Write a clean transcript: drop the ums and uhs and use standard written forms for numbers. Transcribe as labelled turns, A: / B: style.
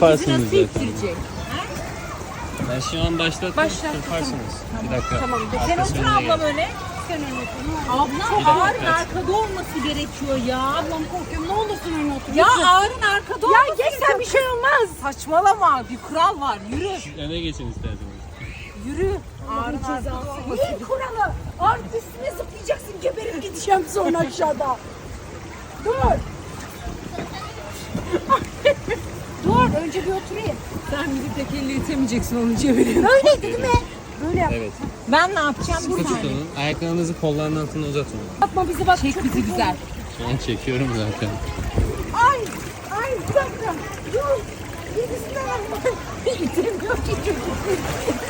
A: Yaparsınız
B: nasıl
A: zaten.
B: ittirecek?
A: Ben şu an başlattım.
B: Başlattım.
A: Yaparsınız. Bir dakika.
B: Tamam. Sen
A: Arkası
B: otur
A: önüne
B: ablam
A: gel.
B: öyle.
C: Sen öyle otur.
B: Ablam
A: Bir
B: ağırın
A: dakika.
B: arkada olması gerekiyor ya.
C: Ablam korkuyorum. Ne olursun öyle otur.
B: Ya
C: Lütfen.
B: ağırın arkada olması gerekiyor. Ya geç sen bir şey olmaz. Saçmalama. Bir kural var. Yürü.
A: Öne geçin isterseniz.
B: Yürü. Ağırın arkada olması.
C: Ne kuralı? Artık üstüne zıplayacaksın. Geberip gideceğim sonra aşağıda. Dur. Dur. Önce bir oturayım.
B: Sen bir tek elle itemeyeceksin onu çevireyim.
C: Böyleydi değil mi? Böyle yap.
A: Evet.
B: Ben ne yapacağım?
A: Sıkı
B: Bir saniye.
A: tutunun. Ayaklarınızı kolların altına uzatın.
C: Atma bizi bak.
B: Çek
C: çok
B: bizi
C: kötü
B: güzel.
C: oldu.
A: Şu an çekiyorum zaten.
C: Ay. Ay bir dakika. Dur. Yedisinden atma. İtemiyor ki çocuk.